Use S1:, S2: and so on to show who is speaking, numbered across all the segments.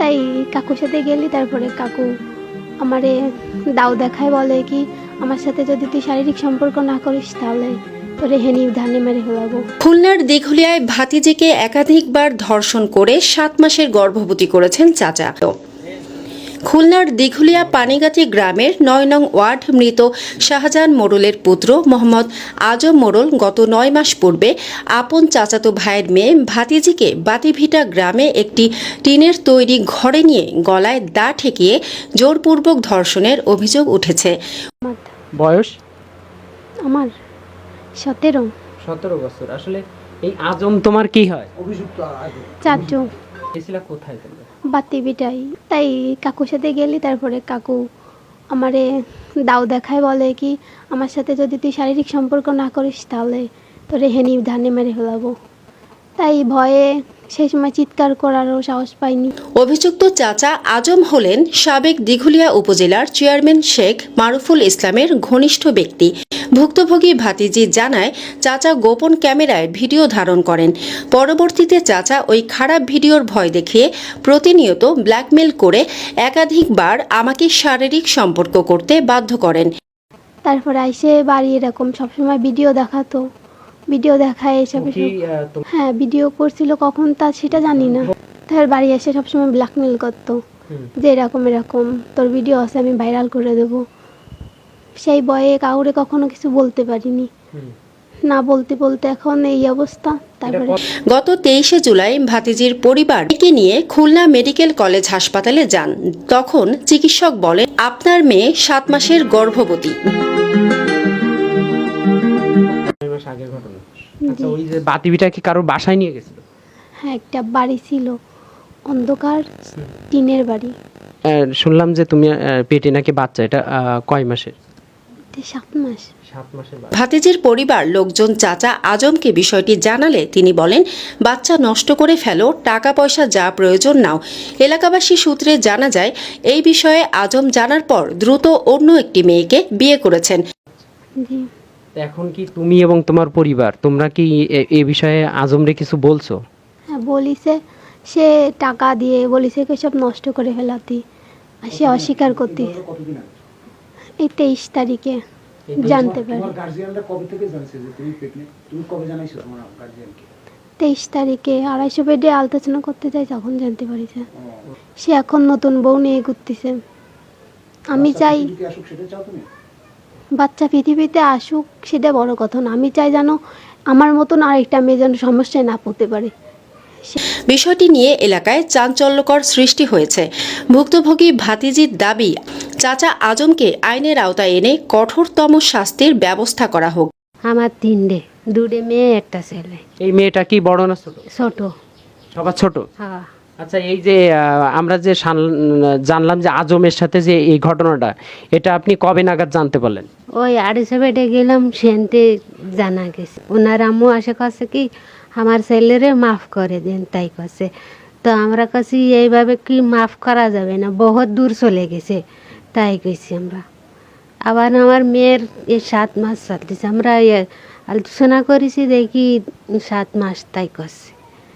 S1: তাই কাকুর সাথে গেলি, তারপরে কাকু আমারে দাও দেখায়, বলে কি আমার সাথে যদি তুই শারীরিক সম্পর্ক না করিস তাহলে তোরে হেনি ধানে মেরে ফেলাবো।
S2: খুলনার দিঘুলিয়ায় ভাতিজিকে একাধিকবার ধর্ষণ করে 7 মাসের গর্ভবতী করেছেন চাচা। খুলনার দিঘুলিয়া পানিগাতি গ্রামের 9 নং ওয়ার্ড মৃত শাহজাহান মোড়লের পুত্র মোহাম্মদ আজম মোড়ল গত 9 মাস পূর্বে আপন চাচাতো ভাইয়ের মেয়ে ভাতিজিকে বাতিভিটা গ্রামে একটি টিনের তৈরি ঘরে নিয়ে গলায় দা ঠেকিয়ে জোরপূর্বক ধর্ষণের অভিযোগ উঠেছে।
S3: বয়স
S1: আমার
S3: 17 বছর। আসলে এই আজম তোমার কি হয়?
S1: চাচু
S3: এসিলা কোথায় তোমরা?
S1: বাতি বিটাই। তাই কাকুর সাথে গেলি, তারপরে কাকু আমারে দাও দেখায়, বলে কি আমার সাথে যদি তুই শারীরিক সম্পর্ক না করিস তাহলে তোরে হেনি ধানে মেরে ফেলাবো। তাই ভয়ে সেই সময় চিৎকার করারও সাহস পাইনি।
S2: অভিযুক্ত চাচা আজম হলেন সাবেক দিঘুলিয়া উপজেলার চেয়ারম্যান শেখ মারুফুল ইসলামের ঘনিষ্ঠ ব্যক্তি। ভুক্তভোগী ভাতিজি জানায়, চাচা গোপন ক্যামেরায় ভিডিও ধারণ করেন। পরবর্তীতে চাচা ওই খারাপ ভিডিওর ভয় দেখিয়ে প্রতিনিয়ত ব্ল্যাকমেল করে একাধিকবার আমাকে শারীরিক সম্পর্ক করতে বাধ্য করেন।
S1: তারপরে আইসে বাড়ি এরকম সবসময় ভিডিও দেখাতো, ভিডিও দেখায় এসব। হ্যাঁ, ভিডিও করছিল কখন তা সেটা জানি না। তার বাড়ি এসে সবসময় ব্ল্যাকমেল করতো যে এরকম এরকম তোর ভিডিও আছে, আমি ভাইরাল করে দেব। সেই ভয়ে কাউরে কখনো কিছু বলতে পারিনি, না বলতে বলতে এখন এই অবস্থা। তারপরে
S2: গত 23শে জুলাই ভাতিজির পরিবারকে নিয়ে খুলনা মেডিকেল কলেজ হাসপাতালে যান। তখন চিকিৎসক বলেন, আপনার মেয়ে 7 মাসের গর্ভবতী।
S3: আগের ঘটনা। আচ্ছা, ওই যে বাতিবিটা কি কারোর বাসায় নিয়ে গেছিল?
S1: হ্যাঁ, একটা বাড়ি ছিল, অন্ধকার টিনের বাড়ি।
S3: শুনলাম যে তুমি পেটে নাকি বাচ্চা, এটা কয় মাসের?
S1: 7 মাস।
S3: 7 মাসের।
S2: ভাতিজির পরিবার লোকজন চাচা আজমকে বিষয়টি জানালে তিনি বলেন, বাচ্চা নষ্ট করে ফেলো, টাকা পয়সা যা প্রয়োজন নাও। এলাকাবাসী সূত্রে জানা যায়, এই বিষয়ে আজম জানার পর দ্রুত অন্য একটি মেয়েকে বিয়ে করেছেন।
S1: জি।
S3: এখন কি তুমি এবং তোমার পরিবার তোমরা কি এ বিষয়ে আজমরে কিছু বলছো?
S1: হ্যাঁ, বলিছে, সে টাকা দিয়ে বলিছে কি সব নষ্ট করে ফেলাতি, আর সে অস্বীকার করতে। এই 23 তারিখে জানতে পারি। 23 তারিখে 250 বেডে আলোচনা করতে যাই, তখন জানতে পারি যে সে এখন নতুন বউ নিয়ে ঘুরতেছে। আমি চাই বাচ্চা পৃথিবীতে আসুক, সেটা বড় কথা না। আমি চাই যেন আমার মতন আরেকটা মেয়ে যেন সমস্যায় না পড়তে পারে।
S2: বিষয়টি নিয়ে এলাকায় চাঞ্চল্যকর সৃষ্টি হয়েছে। ভুক্তভোগী ভাতিজির দাবি, চাচা আজমকে আইনের আওতায় এনে কঠোরতম শাস্তির ব্যবস্থা করা হোক।
S4: আমার 2 মেয়ে, একটা ছেলে।
S3: এই মেয়েটা কি বড় না ছোট?
S4: ছোট।
S3: সবার ছোট?
S4: হ্যাঁ।
S3: আচ্ছা, এই যে আমরা যে জানলাম যে আজমের সাথে যে এই ঘটনাটা, এটা আপনি কবে নাগাদ জানতে পারলেন?
S4: ওই 250 বেডে গেলাম, সেনতে জানা গেছে। ওনার আম্মু আসে কাছে কি আমার ছেলেরে মাফ করে দেন, তাই কাছে। তো আমরা কাছে এইভাবে কি মাফ করা যাবে না, বহুত দূর চলে গেছে, তাই কইছি আমরা। আবার আমার মেয়ের 7 মাস চলতেছে, আমরা আলোচনা করেছি, দেখি 7 মাস, তাই করছে।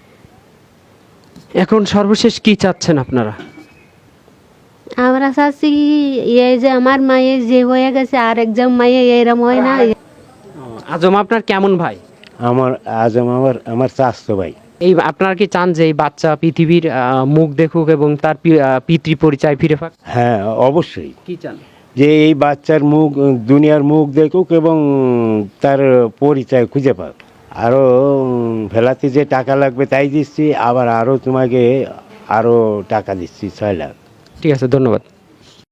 S3: এখন সর্বশেষ কি চাচ্ছেন আপনারা?
S4: আমরা চাচ্ছি এই যে আমার মায়ে যে হয়ে গেছে, আর একজন মায়ে এরম হয় না।
S3: আজম আপনার কেমন ভাই?
S5: আমার চাচতো ভাই।
S3: এই আপনারা কি চান যে এই বাচ্চা পৃথিবীর মুখ দেখুক এবং তার পিতৃ পরিচয় ফিরে পাক?
S5: হ্যাঁ, অবশ্যই।
S3: কি চান?
S5: যে এই বাচ্চার মুখ, দুনিয়ার মুখ দেখুক এবং তার পরিচয় খুঁজে পাক। আরও ফেলাতে যে টাকা লাগবে তাই দিচ্ছি, আবার আরও তোমাকে আরও টাকা দিচ্ছি 6 লাখ।
S3: ঠিক আছে, ধন্যবাদ।